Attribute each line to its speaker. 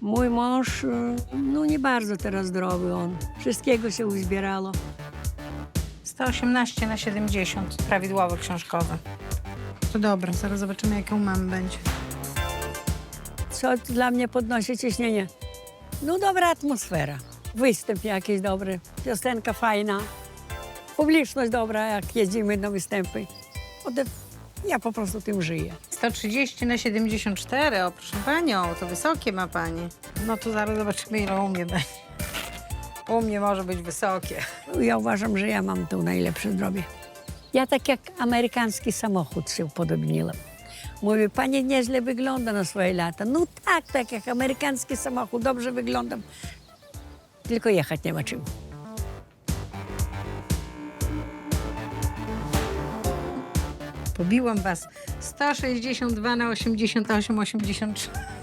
Speaker 1: Mój mąż, no nie bardzo teraz zdrowy on. Wszystkiego się uzbierało.
Speaker 2: 118 na 70, prawidłowo książkowe. To dobra, zaraz zobaczymy, jaka u mamy będzie.
Speaker 1: Co dla mnie podnosi ciśnienie? No dobra atmosfera. Występ jakiś dobry, piosenka fajna, publiczność dobra, jak jeździmy na występy. Ja po prostu tym żyję.
Speaker 2: 130 na 74, o proszę panią, to wysokie ma pani. No to zaraz zobaczymy, ile u mnie będzie. U mnie może być wysokie.
Speaker 1: Ja uważam, że ja mam tu najlepsze zdrowie. Ja tak jak amerykański samochód się upodobniłam. Mówię, pani nieźle wygląda na swoje lata. No tak jak amerykański samochód, dobrze wyglądam. Tylko jechać nie ma czym.
Speaker 2: Pobiłam was 162 na 88, 83.